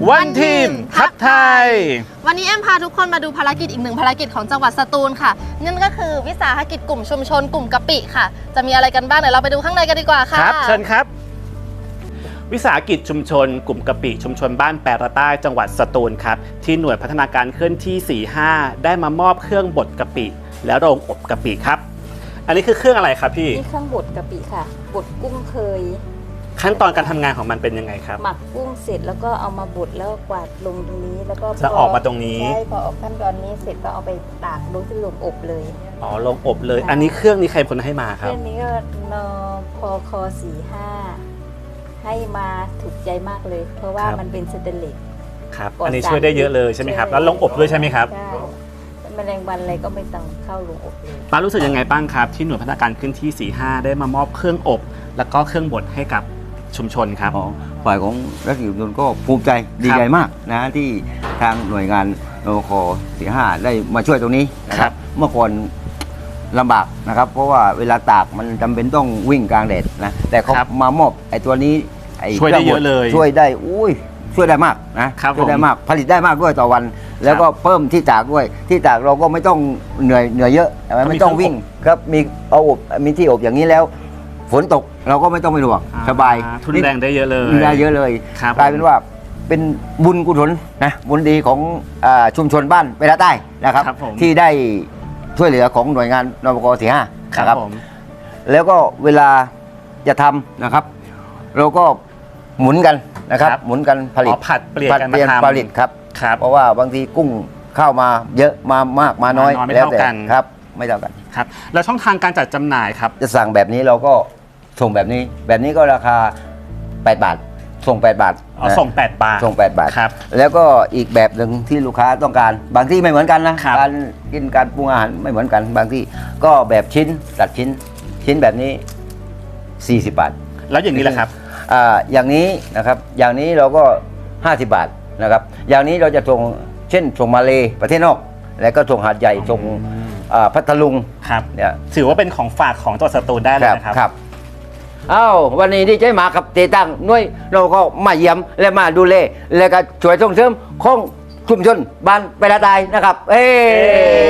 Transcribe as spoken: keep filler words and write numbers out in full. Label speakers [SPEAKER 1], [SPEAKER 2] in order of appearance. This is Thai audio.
[SPEAKER 1] วันทีมทัพไทย
[SPEAKER 2] วันนี้แอมพาทุกคนมาดูภารกิจอีกหนึ่งภารกิจของจังหวัดสตูลค่ะนั่นก็คือวิสาหกิจกลุ่มชุมชนกลุ่มกะปิค่ะจะมีอะไรกันบ้างเดี๋ยวเราไปดูข้างในกันดีกว่าค่ะ
[SPEAKER 1] ครับเชิญครับวิสาหกิจชุมชนกลุ่มกะปิชุมชนบ้านแปรใต้จังหวัดสตูลครับที่หน่วยพัฒนาการเคลื่อนที่ สี่ห้า ได้มามอบเครื่องบดกะปิและโรงอบกะปิครับอันนี้คือเครื่องอะไรครับพี่
[SPEAKER 3] นี่เครื่องบดกะปิค่ะบดกุ้งเคย
[SPEAKER 1] ขั้นตอนการทำงานของมันเป็นยังไงครับ
[SPEAKER 3] หมักกุ้งเสร็จแล้วก็เอามาบดแล้วกวาดลงตรงนี้แล้วก็
[SPEAKER 1] จะออกมาตรงนี้
[SPEAKER 3] ใช่พอออกขั้นตอนนี้เสร็จก็เอาไปตากลงที่โรงอบเลย
[SPEAKER 1] อ๋อโรงอบเลยอันนี้เครื่องนี้ใครคนให้มาครับ
[SPEAKER 3] เครื่องนี้ก็นพคสี่ห้าให้มาถูกใจมากเลยเพราะว่ามันเป็นสเตนเลส
[SPEAKER 1] ครับอันนี้ช่วยได้เยอะเลยใช่ไหมครับแล้วโรงอบด้วยใช่ไหมครับ
[SPEAKER 3] ใช่แมลงวันอะไรก็ไม่ต้องเข้าโรงอบเลย
[SPEAKER 1] ป้ารู้สึกยังไงบ้างครับที่หน่วยพัฒนาการเคลื่อนที่ สี่ห้า ได้มามอบเครื่องอบแล้วก็เครื่องบดให้กับชุมชนครับ
[SPEAKER 4] ฝ่ายของรัฐกิจชุมชนก็ภูมิใจดีใจมากนะที่ทางหน่วยงานนวคสี่ห้าได้มาช่วยตรงนี้นะครับเมื่อก่อนลำบากนะครับเพราะว่าเวลาตากมันจำเป็นต้องวิ่งกลางแดดนะแต่เขามามอบไอ้ตัวนี้
[SPEAKER 1] ช่วยได้เยอะเลย
[SPEAKER 4] ช่วยได้อุ้ยช่วยได้มากนะช่วยได้มากผลิตได้มากด้วยต่อวันแล้วก็เพิ่มที่ตากด้วยที่ตากเราก็ไม่ต้องเหนื่อยเหนื่อยเยอะไม่ต้องวิ่งครับมีเอาอบมีที่อบอย่างนี้แล้วฝนตกเราก็ไม่ต้องไปห่วงสบาย
[SPEAKER 1] ทุนแรงได้เยอะเลย
[SPEAKER 4] ได้เยอะเลยกลายเป็นว่าเป็นบุญกุศลนะบุญดีของชุมชนบ้านเปรใต้นะครับที่ได้ช่วยเหลือของหน่วยงานนวคสี่ห้านะครับแล้วก็เวลาจะทำนะครับเราก็หมุนกันนะครับหมุนกันผลิต
[SPEAKER 1] ผัดเปลี่ยนกันมาท
[SPEAKER 4] ำผลิตครับเพราะว่าบางทีกุ้งเข้ามาเยอะมามากมาน้อย
[SPEAKER 1] แล้วแต่
[SPEAKER 4] ครับไม่เท่ากัน
[SPEAKER 1] ครับแล้วช่องทางการจัดจำหน่ายครับ
[SPEAKER 4] จะสั่งแบบนี้เราก็ส่งแบบนี้แบบนี้ก็ราคาแปดบาทส่งแปดบาท
[SPEAKER 1] อ๋อส่งแปดบาท
[SPEAKER 4] ส่งแปดบาท
[SPEAKER 1] ครับ
[SPEAKER 4] แล้วก็อีกแบบหนึ่งที่ลูกค้าต้องการบางที่ไม่เหมือนกันนะการกินการปรุงอาหารไม่เหมือนกันบางที่ก็แบบชิ้นตัดชิ้นชิ้นแบบนี้สี่สิบบาท
[SPEAKER 1] แล้วอย่างนี้แหละครับ
[SPEAKER 4] อ่าอย่างนี้นะครับอย่างนี้เราก็ห้าสิบบาทนะครับอย่างนี้เราจะส่งเช่นส่งมาเลประเทศนอกแล้วก็ส่งหาดใหญ่ส่งพัทลุง
[SPEAKER 1] ครับเนี่ยถือว่าเป็นของฝากของจังหวัดสตูลได้เลยนะครับ
[SPEAKER 4] ครับอ้าววันนี้ที่ใจมากับเตตังน้วยเราก็มาเยี่ยมและมาดูแลและก็ช่วยส่งเสริมของชุมชนบ้านเปรใต้นะครับเอ้